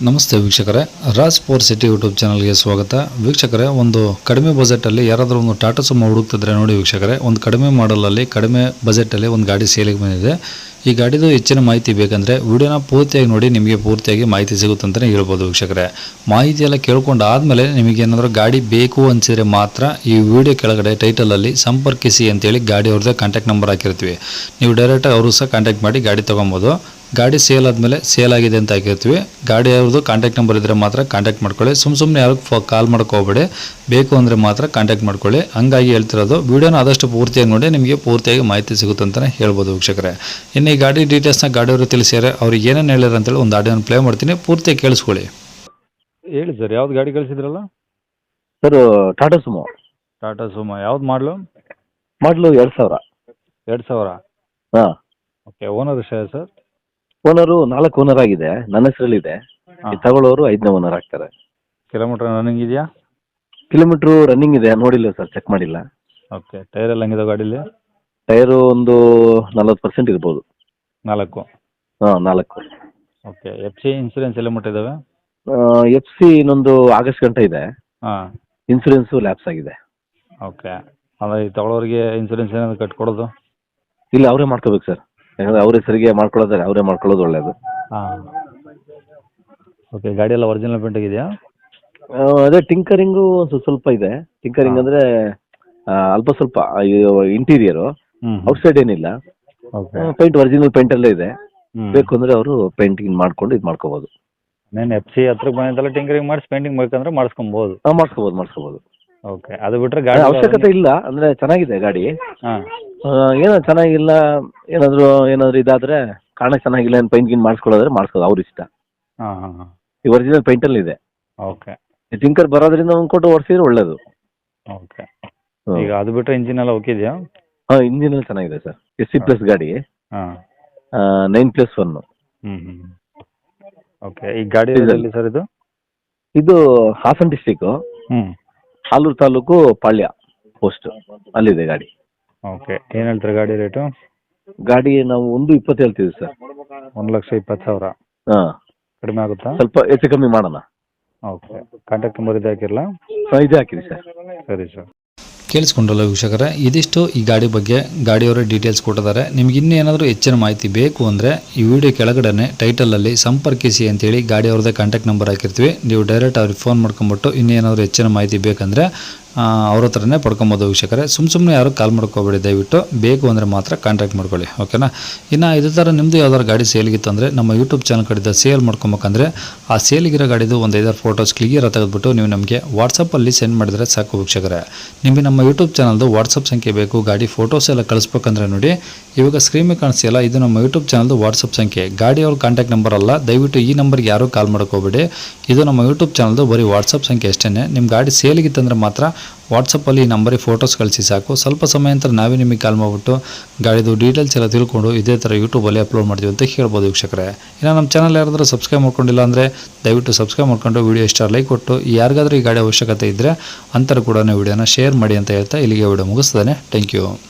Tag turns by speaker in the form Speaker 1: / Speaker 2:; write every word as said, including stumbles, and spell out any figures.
Speaker 1: ನಮಸ್ತೆ ವೀಕ್ಷಕರೇ, Raj four city YouTube ಚಾನಲ್ಗೆ ಸ್ವಾಗತ. ವೀಕ್ಷಕರೇ, ಒಂದು ಕಡಿಮೆ ಬಜೆಟಲ್ಲಿ ಯಾರಾದರೂ ಒಂದು ಟಾಟಾ ಸುಮೋ ಹುಡುಕ್ತಿದ್ರೆ ನೋಡಿ ವೀಕ್ಷಕರೇ, ಒಂದು ಕಡಿಮೆ ಮಾಡಲಲ್ಲಿ ಕಡಿಮೆ ಬಜೆಟಲ್ಲಿ ಒಂದು ಗಾಡಿ ಸೇಲಿಗೆ ಬಂದಿದೆ. ಈ ಗಾಡಿದು ಹೆಚ್ಚಿನ ಮಾಹಿತಿ ಬೇಕಂದರೆ ವಿಡಿಯೋನ ಪೂರ್ತಿಯಾಗಿ ನೋಡಿ, ನಿಮಗೆ ಪೂರ್ತಿಯಾಗಿ ಮಾಹಿತಿ ಸಿಗುತ್ತೆ ಅಂತಲೇ ಹೇಳ್ಬೋದು ವೀಕ್ಷಕರೇ. ಮಾಹಿತಿ ಎಲ್ಲ ಕೇಳ್ಕೊಂಡು ಆದಮೇಲೆ ನಿಮಗೇನಾದರೂ ಗಾಡಿ ಬೇಕು ಅನಿಸಿದರೆ ಮಾತ್ರ ಈ ವಿಡಿಯೋ ಕೆಳಗಡೆ ಟೈಟಲಲ್ಲಿ ಸಂಪರ್ಕಿಸಿ ಅಂತೇಳಿ ಗಾಡಿ ಅವ್ರದ್ದೇ ಕಾಂಟ್ಯಾಕ್ಟ್ ನಂಬರ್ ಹಾಕಿರ್ತೀವಿ. ನೀವು ಡೈರೆಕ್ಟಾಗಿ ಅವರು ಸಹ ಕಾಂಟ್ಯಾಕ್ಟ್ ಮಾಡಿ ಗಾಡಿ ತೊಗೊಬೋದು. ಗಾಡಿ ಸೇಲ್ ಆದಮೇಲೆ ಸೇಲ್ ಆಗಿದೆ ಅಂತ ಹಾಕಿರ್ತೀವಿ. ಗಾಡಿ ಅವ್ರದ್ದು ಕಾಂಟ್ಯಾಕ್ಟ್ ನಂಬರ್ ಇದ್ದರೆ ಮಾತ್ರ ಕಾಂಟ್ಯಾಕ್ಟ್ ಮಾಡ್ಕೊಳ್ಳಿ. ಸುಮ್ಮ ಸುಮ್ಮನೆ ಯಾರು ಫೋ ಕಾಲ್ ಮಾಡ್ಕೋಬೇಡಿ, ಬೇಕು ಅಂದರೆ ಮಾತ್ರ ಕಾಂಟ್ಯಾಕ್ಟ್ ಮಾಡ್ಕೊಳ್ಳಿ. ಹಂಗಾಗಿ ಹೇಳ್ತಿರೋದು, ವೀಡಿಯೋನ ಆದಷ್ಟು ಪೂರ್ತಿಯಾಗಿ ನೋಡಿ, ನಿಮಗೆ ಪೂರ್ತಿಯಾಗಿ ಮಾಹಿತಿ ಸಿಗುತ್ತೆ ಅಂತಲೇ ಹೇಳ್ಬೋದು ವೀಕ್ಷಕರೇ. ಇನ್ನು ಈ ಗಾಡಿ ಡೀಟೇಲ್ಸ್ನ ಗಾಡಿಯವರು ತಿಳಿಸಿದರೆ ಅವ್ರಿಗೆ ಏನೇನು ಹೇಳಿದ್ರು ಅಂತೇಳಿ ಒಂದು ಆಡಿಯೋನ ಪ್ಲೇ ಮಾಡ್ತೀನಿ, ಪೂರ್ತಿಯಾಗಿ ಕೇಳಿಸ್ಕೊಳ್ಳಿ. ಹೇಳಿ ಸರ್, ಯಾವ್ದು ಗಾಡಿ ಕಳಿಸಿದ್ರಲ್ಲ?
Speaker 2: Sir Tata Sumo.
Speaker 1: Tata Sumo ಯಾವ್ದು ಮಾಡಲು?
Speaker 2: ಮಾಡಲು ಎರಡು ಸಾವಿರ.
Speaker 1: ಎರಡು ಸಾವಿರ
Speaker 2: ಹಾಂ.
Speaker 1: ಓಕೆ. ಓನರ್ ಎಷ್ಟ ಸರ್?
Speaker 2: ಓನರು ನಾಲ್ಕು ಓನರ್ ಆಗಿದೆ, ನನ್ನ ಹೆಸರಲ್ಲಿದೆ. ತಗೊಳ್ಳೋರು ಐದನೇ ಓನರ್ ಆಗ್ತಾರೆ.
Speaker 1: ಕಿಲೋಮೀಟರ್ ರನ್ನಿಂಗ್ ಇದೆಯಾ?
Speaker 2: ಕಿಲೋಮೀಟ್ರು ರನ್ನಿಂಗ್ ಇದೆ, ನೋಡಿಲ್ಲ ಸರ್, ಚೆಕ್ ಮಾಡಿಲ್ಲ.
Speaker 1: ಓಕೆ. ಟೈರ್ ಎಲ್ಲ ಹಂಗಿದೆ ಗಾಡೀಲಿ?
Speaker 2: ಟೈರು ಒಂದು ನಲ್ವತ್ತು ಪರ್ಸೆಂಟ್ ಇರ್ಬೋದು.
Speaker 1: ನಾಲ್ಕು?
Speaker 2: ಹಾಂ, ನಾಲ್ಕು.
Speaker 1: ಓಕೆ. ಎಫ್ ಸಿ ಇನ್ಸೂರೆನ್ಸ್ ಎಲ್ಲ ಮುಟ್ಟಿದ್ದಾವೆ?
Speaker 2: ಎಫ್ ಸಿ ಇನ್ನೊಂದು ಆಗಸ್ಟ್ ಗಂಟೆ ಇದೆ.
Speaker 1: ಹಾಂ.
Speaker 2: ಇನ್ಸೂರೆನ್ಸು ಲ್ಯಾಪ್ಸ್ ಆಗಿದೆ.
Speaker 1: ಓಕೆ. ಅಂದರೆ ಈ ತಗೊಳ್ಳೋರಿಗೆ ಇನ್ಸೂರೆನ್ಸ್ ಏನಾದರೂ ಕಟ್ಕೊಡೋದು?
Speaker 2: ಇಲ್ಲ, ಅವರೇ ಮಾಡ್ಕೋಬೇಕು ಸರ್. ಯಾಕಂದರೆ ಅವ್ರ ಹೆಸರಿಗೆ ಮಾಡ್ಕೊಳ್ಳೋದಾರೆ ಅವರೇ ಮಾಡ್ಕೊಳ್ಳೋದು ಒಳ್ಳೆಯದು.
Speaker 1: ಹಾಂ. ಓಕೆ. ಗಾಡಿ ಎಲ್ಲ ಒರಿಜಿನಲ್ ಪೇಂಟ್ ಆಗಿದೆಯಾ?
Speaker 2: ಅದೇ ಟಿಂಕರಿಂಗು ಸ್ವಲ್ಪ ಸ್ವಲ್ಪ ಇದೆ. ಟಿಂಕರಿಂಗ್ ಅಂದರೆ ಅಲ್ಪ ಸ್ವಲ್ಪ ಇಂಟೀರಿಯರು,
Speaker 1: ಹ್ಞೂ.
Speaker 2: ಔಟ್ಸೈಡ್ ಏನಿಲ್ಲ.
Speaker 1: ಓಕೆ.
Speaker 2: ಪೇಂಟ್ ಒರಿಜಿನಲ್ ಪೇಂಟಲ್ಲೇ ಇದೆ.
Speaker 1: ಹ್ಞೂ.
Speaker 2: ಬೇಕು ಅಂದರೆ ಅವರು ಪೇಂಟಿಂಗ್ ಮಾಡ್ಕೊಂಡು ಇದು ಮಾಡ್ಕೋಬೋದು.
Speaker 1: నేను ಎಫ್ ಸಿ ಹತ್ರಕ್ಕೆ ಬಂದಿದ್ದಲ್ಲ, ಟಿಂಕರಿಂಗ್ ಮಾಡಿಸಿ ಪೇಂಟಿಂಗ್ ಬೇಕಂದ್ರೆ ಮಾಡಿಸ್ಕೊಬೋದು?
Speaker 2: ಹಾಂ, ಮಾಡಿಸ್ಕೋಬೋದು ಮಾಡಿಸ್ಕೋಬೋದು.
Speaker 1: ಓಕೆ. ಅದು ಬಿಟ್ಟರೆ ಗಾಡಿ
Speaker 2: ಅವಶ್ಯಕತೆ ಇಲ್ಲ, ಅಂದರೆ ಚೆನ್ನಾಗಿದೆ ಗಾಡಿ.
Speaker 1: ಹಾಂ.
Speaker 2: ಏನೋ ಚೆನ್ನಾಗಿಲ್ಲ, ಏನಾದರೂ ಏನಾದರೂ ಇದಾದರೆ ಕಾರಣ ಚೆನ್ನಾಗಿಲ್ಲ, ಏನು ಪೈಂಟ್ ಗಿನ್ ಮಾಡಿಸ್ಕೊಳ್ಳೋದ್ರೆ ಮಾಡಿಸ್ಕೋದು, ಅವ್ರ ಇಷ್ಟ.
Speaker 1: ಹಾಂ ಹಾಂ ಹಾಂ.
Speaker 2: ಈ ಒರಿಜಿನಲ್ ಪೇಂಟಲ್ಲಿ ಇದೆ.
Speaker 1: ಓಕೆ.
Speaker 2: ಟಿಂಕರ್ ಬರೋದ್ರಿಂದ ಒಂದು ಕೊಟ್ಟು ಓಡಿಸಿದ್ರೆ ಒಳ್ಳೇದು.
Speaker 1: ಓಕೆ. ಈಗ ಅದು ಬಿಟ್ಟರೆ ಇಂಜಿನ್ ಎಲ್ಲ ಓಕೆ ಇದೆಯಾ?
Speaker 2: ಹಾಂ, ಇಂಜಿನಲ್ಲಿ ಚೆನ್ನಾಗಿದೆ ಸರ್. ಎಸ್ ಸಿ ಪ್ಲಸ್ ಗಾಡಿ,
Speaker 1: ಹಾಂ.
Speaker 2: Nine plus one.
Speaker 1: ಹ್ಞೂ ಹ್ಞೂ. ಓಕೆ. ಈ ಗಾಡಿ ಎಲ್ಲಿ ಸರ್ ಇದು?
Speaker 2: ಇದು ಹಾಸನ ಡಿಸ್ಟಿಕ್ಕು,
Speaker 1: ಹ್ಞೂ,
Speaker 2: ಹಾಲೂರು ತಾಲೂಕು, ಪಾಳ್ಯ ಪೋಸ್ಟ್, ಅಲ್ಲಿದೆ ಗಾಡಿ.
Speaker 1: ಓಕೆ. ಏನು ಹೇಳ್ತಾರೆ ಗಾಡಿ ರೇಟು?
Speaker 2: ಗಾಡಿ ನಾವು ಒಂದು ಇಪ್ಪತ್ತು ಹೇಳ್ತೀವಿ ಸರ್.
Speaker 1: ಒಂದು ಲಕ್ಷ ಇಪ್ಪತ್ತು ಸಾವಿರ?
Speaker 2: ಹಾಂ.
Speaker 1: ಕಡಿಮೆ ಆಗುತ್ತಾ?
Speaker 2: ಸ್ವಲ್ಪ ಹೆಚ್ಚು ಕಮ್ಮಿ ಮಾಡೋಣ.
Speaker 1: ಓಕೆ. ಕಾಂಟ್ಯಾಕ್ಟ್ ನಂಬರ್ ಇದೆ ಹಾಕಿರಲ್ಲ?
Speaker 2: ಹಾಂ, ಇದೇ ಹಾಕಿರಿ ಸರ್.
Speaker 1: ಸರಿ ಸರ್. ಕೇಳಿಸ್ಕೊಂಡ್ರಲ್ಲ ವೀಕ್ಷಕರೇ, ಇದಿಷ್ಟು ಈ ಗಾಡಿ ಬಗ್ಗೆ ಗಾಡಿಯವರೇ ಡೀಟೇಲ್ಸ್ ಕೊಟ್ಟಿದ್ದಾರೆ. ನಿಮ್ಗೆ ಇನ್ನೂ ಏನಾದರೂ ಹೆಚ್ಚಿನ ಮಾಹಿತಿ ಬೇಕು ಅಂದರೆ ಈ ವಿಡಿಯೋ ಕೆಳಗಡೆ ಟೈಟಲಲ್ಲಿ ಸಂಪರ್ಕಿಸಿ ಅಂತೇಳಿ ಗಾಡಿಯವ್ರದ್ದೇ ಕಾಂಟ್ಯಾಕ್ಟ್ ನಂಬರ್ ಹಾಕಿರ್ತೀವಿ. ನೀವು ಡೈರೆಕ್ಟ್ ಅವ್ರಿಗೆ ಫೋನ್ ಮಾಡ್ಕೊಂಬಿಟ್ಟು ಇನ್ನೇನಾದರೂ ಹೆಚ್ಚಿನ ಮಾಹಿತಿ ಬೇಕಂದರೆ ಅವ್ರ ಹತ್ರನೇ ಪಡ್ಕೊಬೋದು ವೀಕ್ಷಕರೇ. ಸುಮ್ಮ ಸುಮ್ಮನೆ ಯಾರು ಕಾಲ್ ಮಾಡ್ಕೋಬೇಡಿ, ದಯವಿಟ್ಟು ಬೇಕು ಅಂದರೆ ಮಾತ್ರ ಕಾಂಟ್ಯಾಕ್ಟ್ ಮಾಡ್ಕೊಳ್ಳಿ, ಓಕೆನಾ? ಇನ್ನು ಇದೇ ಥರ ನಿಮ್ಮದು ಯಾವ್ದಾದ್ರು ಗಾಡಿ ಸೇಲಿಗಿತ್ತು ಅಂದರೆ ನಮ್ಮ ಯೂಟ್ಯೂಬ್ ಚಾನಲ್ ಕಡೆದ ಸೇಲ್ ಮಾಡ್ಕೊಬೇಕಂದ್ರೆ ಆ ಸೇಲಿಗಿರೋ ಗಾಡಿದು ಒಂದು ಐದಾರು ಫೋಟೋಸ್ ಕ್ಲಿಯರ್ ತೆಗೆದುಬಿಟ್ಟು ನೀವು ನಮಗೆ ವಾಟ್ಸಪ್ಪಲ್ಲಿ ಸೆಂಡ್ ಮಾಡಿದರೆ ಸಾಕು ವೀಕ್ಷಕರೇ. ನಿಮಗೆ ನಮ್ಮ ಯೂಟ್ಯೂಬ್ ಚಾನಲ್ದು ವಾಟ್ಸಪ್ ಸಂಖ್ಯೆ ಬೇಕು, ಗಾಡಿ ಫೋಟೋಸ್ ಎಲ್ಲ ಕಳಿಸ್ಬೇಕಂದ್ರೆ ನೋಡಿ, ಇವಾಗ ಸ್ಕ್ರೀನ್ ಮೇಲೆ ಕಾಣಿಸ್ತಿಲ್ಲ, ಇದು ನಮ್ಮ ಯೂಟ್ಯೂಬ್ ಚಾನಲ್ದು ವಾಟ್ಸಪ್ ಸಂಖ್ಯೆ. ಗಾಡಿಯವ್ರ ಕಾಂಟ್ಯಾಕ್ಟ್ ನಂಬರ್ ಅಲ್ಲ, ದಯವಿಟ್ಟು ಈ ನಂಬರ್ಗೆ ಯಾರೂ ಕಾಲ್ ಮಾಡ್ಕೋಬೇಡಿ. ಇದು ನಮ್ಮ ಯೂಟ್ಯೂಬ್ ಚಾನಲ್ದು ಬರೀ ವಾಟ್ಸಪ್ ಸಂಖ್ಯೆ ಅಷ್ಟೇ. ನಿಮ್ಮ ಗಾಡಿ ಸೇಲಿಗಿತ್ತಂದರೆ ಮಾತ್ರ ವಾಟ್ಸಪ್ಪಲ್ಲಿ ಈ ನಂಬರಿಗೆ ಫೋಟೋಸ್ ಕಳಿಸಿ ಸಾಕು. ಸ್ವಲ್ಪ ಸಮಯ ನಂತರ ನಾವೇ ನಿಮಗೆ ಕಾಲ್ ಮಾಡಿಬಿಟ್ಟು ಗಾಡಿದು ಡೀಟೇಲ್ಸ್ ಎಲ್ಲ ತಿಳ್ಕೊಂಡು ಇದೇ ಥರ ಯೂಟ್ಯೂಬಲ್ಲಿ ಅಪ್ಲೋಡ್ ಮಾಡ್ತೀವಿ ಅಂತ ಹೇಳ್ಬೋದು ವೀಕ್ಷಕರೇ. ಇನ್ನು ನಮ್ಮ ಚಾನಲ್ ಯಾರಾದರೂ ಸಬ್ಸ್ಕ್ರೈಬ್ ಮಾಡ್ಕೊಂಡಿಲ್ಲ ಅಂದರೆ ದಯವಿಟ್ಟು ಸಬ್ಸ್ಕ್ರೈಬ್ ಮಾಡ್ಕೊಂಡು ವಿಡಿಯೋ ಇಷ್ಟ ಲೈಕ್ ಕೊಟ್ಟು, ಯಾರಿಗಾದ್ರೂ ಈ ಗಾಡಿ ಅವಶ್ಯಕತೆ ಇದ್ದರೆ ಅಂಥವ್ರು ಕೂಡ ವಿಡಿಯೋನ ಶೇರ್ ಮಾಡಿ ಅಂತ ಹೇಳ್ತಾ ಇಲ್ಲಿಗೆ ವಿಡಿಯೋ ಮುಗಿಸ್ತಾನೆ. Thank you.